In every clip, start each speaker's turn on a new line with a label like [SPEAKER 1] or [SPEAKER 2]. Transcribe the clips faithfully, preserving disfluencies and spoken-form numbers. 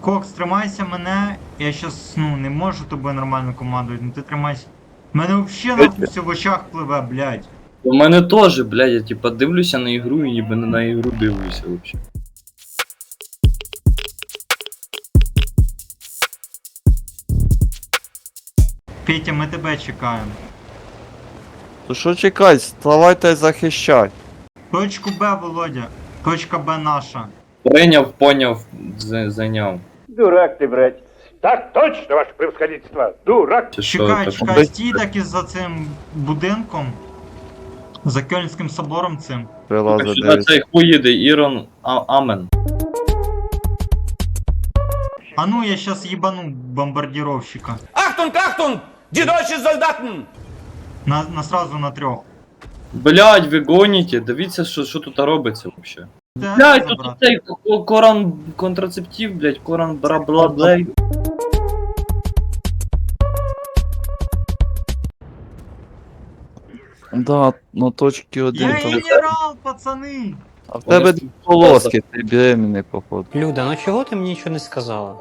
[SPEAKER 1] Кокс, тримайся мене, я щас, ну, не можу тобою нормально командувати, ну ти тримайся. Мене вообще нахуй все в очах пливе, блядь.
[SPEAKER 2] У мене теж, блядь, я типа дивлюся на ігру і ніби не на ігру дивлюся вообще.
[SPEAKER 1] Петя, ми тебе чекаємо.
[SPEAKER 3] То що чекай, вставайте захищай.
[SPEAKER 1] Точку Б, Володя. Точка Б наша.
[SPEAKER 2] Прийняв, поняв, за- зайняв.
[SPEAKER 4] Дурак ты, братец. Так точно, ваше превосходительство. Дурак.
[SPEAKER 2] Чи що,
[SPEAKER 1] Чекай,
[SPEAKER 2] так,
[SPEAKER 1] чекай, стій таки за цим будинком. За Кельнським собором цим.
[SPEAKER 3] Прилазить
[SPEAKER 2] сюди
[SPEAKER 3] дивись.
[SPEAKER 2] цей хуй їде, Ірон а, Амен.
[SPEAKER 1] А ну я щас їбану бомбардировщика.
[SPEAKER 5] Achtung, Achtung! Die deutschen Soldaten!
[SPEAKER 1] На, на сразу на трьох.
[SPEAKER 2] Блядь, ви гоніте, дивіться, що, що тут робиться вообще.
[SPEAKER 1] Де
[SPEAKER 2] Блядь, тут
[SPEAKER 1] забрати?
[SPEAKER 2] цей ко- коран контрацептив, блядь, коран бра-бла-блей.
[SPEAKER 3] Да, на точці один
[SPEAKER 1] Я
[SPEAKER 3] там.
[SPEAKER 1] генерал, пацани!
[SPEAKER 3] А в тебе дві полоски, ти беременний, походу.
[SPEAKER 6] Люда, ну чого ти мені нічого не сказала?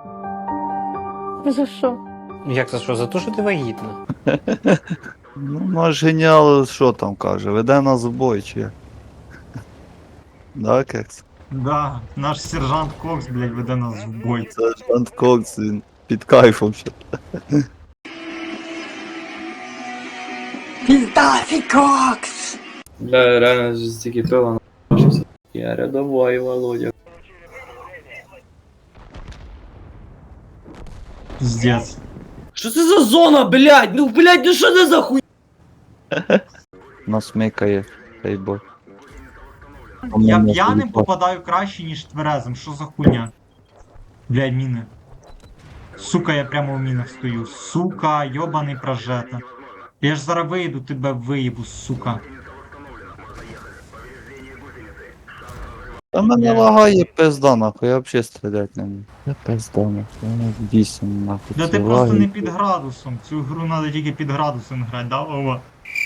[SPEAKER 7] За що?
[SPEAKER 6] Як за що? За те, що ти вагітна.
[SPEAKER 3] Ну, наш геніал, що там каже, веде нас в бой, чи як? Да, кекс?
[SPEAKER 1] Да, наш сержант Кокс, блядь, веде нас в бой.
[SPEAKER 3] Це Жант Кокс, він під кайфом ще.
[SPEAKER 2] Бля, реально стільки пива на***шився. Я рядовой, Володя.
[SPEAKER 1] Пиздец.
[SPEAKER 2] Що це за зона, блядь? Ну, блядь, ну що це за хуй?
[SPEAKER 3] Нас микає, цей бой.
[SPEAKER 1] Я п'яним попадаю краще, ніж тверезим. Що за хуйня? Блядь, міни. Сука, я прямо в мінах стою. Сука, йобаний прожета. Я ж зараз вийду, тебе виїбу, сука.
[SPEAKER 3] Та мене
[SPEAKER 1] Я-
[SPEAKER 3] лагає пизда, нахуй, я взагалі стріляти не можу. Я пизда, нахуй, я вісім, нахуй.
[SPEAKER 1] Да
[SPEAKER 3] це
[SPEAKER 1] ти просто
[SPEAKER 3] лагає.
[SPEAKER 1] не під градусом. Цю гру треба тільки під градусом грати, да, Вова?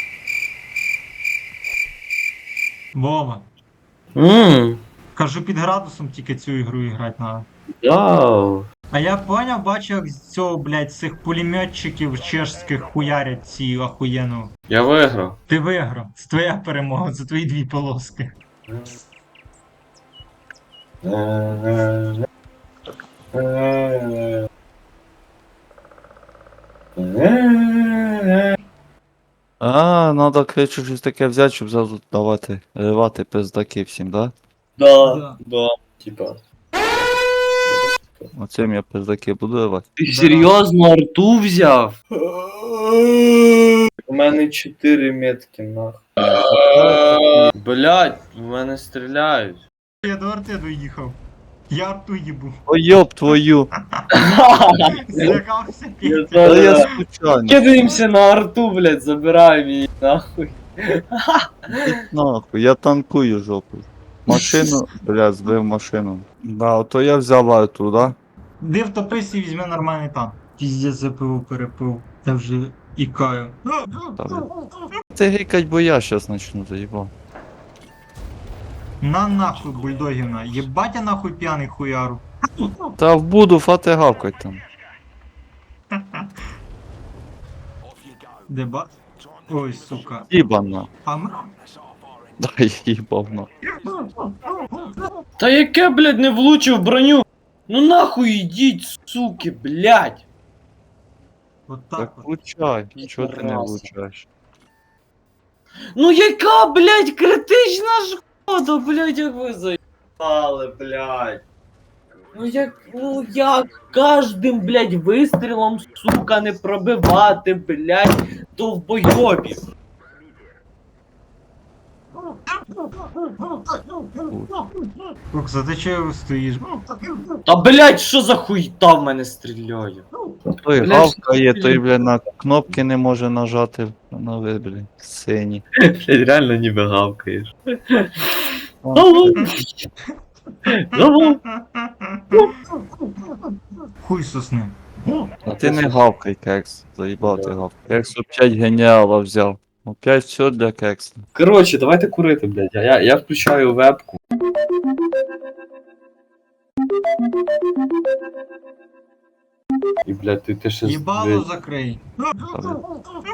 [SPEAKER 1] Вова.
[SPEAKER 2] Ммм,
[SPEAKER 1] Кажу, під градусом тільки цю ігру грати треба.
[SPEAKER 2] да.
[SPEAKER 1] А я поняв, бачу, як з цього, блядь, цих пулеметчиків чешських хуярять ці ахуєнно.
[SPEAKER 2] Я виграв.
[SPEAKER 1] Ти виграв. Це твоя перемога, це твої дві полоски.
[SPEAKER 3] А, надо, короче, щось таке взяти, щоб зразу давати, ривати пиздаки всім, да?
[SPEAKER 2] Да,
[SPEAKER 1] Да.
[SPEAKER 2] да, типа.
[SPEAKER 3] Оцим я пиздаки буду ривати.
[SPEAKER 2] Ти
[SPEAKER 1] Да.
[SPEAKER 2] серйозно арту взяв? У мене чотири метки, нахуй. Блять, в мене стріляють.
[SPEAKER 1] Я до арти доїхав. Я арту їбу.
[SPEAKER 3] О, йоб твою!
[SPEAKER 1] Злякався
[SPEAKER 2] Я
[SPEAKER 1] Петя.
[SPEAKER 3] Та я
[SPEAKER 2] зараз-
[SPEAKER 3] случайно.
[SPEAKER 2] Кидаємося на арту, блять, забираємо її, нахуй.
[SPEAKER 3] Нахуй, я танкую жопу. Машину, бля, збив машину. Да, ото я взяв арту, да?
[SPEAKER 1] Де втопись і візьме нормальний танк. Піздець за пиво перепив. Я вже ікаю.
[SPEAKER 3] Це гикать, бо я щас начну, заїбав.
[SPEAKER 1] На нахуй бульдогівна. Єбать я нахуй п'яний хуяру.
[SPEAKER 3] Та вбуду фати гавкать там.
[SPEAKER 1] Де ба? Ой, сука.
[SPEAKER 3] Їбана.
[SPEAKER 1] А ми...
[SPEAKER 3] Дай їбавно.
[SPEAKER 2] Та яке, блядь, не влучив броню? Ну нахуй ідіть, суки, блядь.
[SPEAKER 1] От так
[SPEAKER 3] Так
[SPEAKER 1] от.
[SPEAKER 3] влучай, чого ти не
[SPEAKER 2] Раз.
[SPEAKER 3] влучаєш?
[SPEAKER 2] Ну яка, блядь, критична шкода, блядь, як ви заїбали, блядь. Ну як, ну як кожним, блядь, вистрілом, сука, не пробивати, блядь, довбойобів.
[SPEAKER 1] Кокс, а ти чого стоїш?
[SPEAKER 2] Та, блядь, що за хуйта в мене стріляє?
[SPEAKER 3] Той
[SPEAKER 2] Блядь,
[SPEAKER 3] гавкає,
[SPEAKER 2] що
[SPEAKER 3] той,
[SPEAKER 2] ти-
[SPEAKER 3] бля, на кнопки не може нажати. На ви, бля, сині.
[SPEAKER 2] Блядь, реально ніби гавкаєш.
[SPEAKER 3] О,
[SPEAKER 2] Алло.
[SPEAKER 1] Хуй сосни.
[SPEAKER 3] А ти не гавкай, кекс. Заїбав ти гавкай. Кекс опять геніала взяв. Опять все для кекса.
[SPEAKER 2] Коротше, давайте курити, блядь. Я, я включаю вебку.
[SPEAKER 7] І, блядь, ти, ти ще...
[SPEAKER 1] Їбало
[SPEAKER 7] блядь,
[SPEAKER 1] закрий.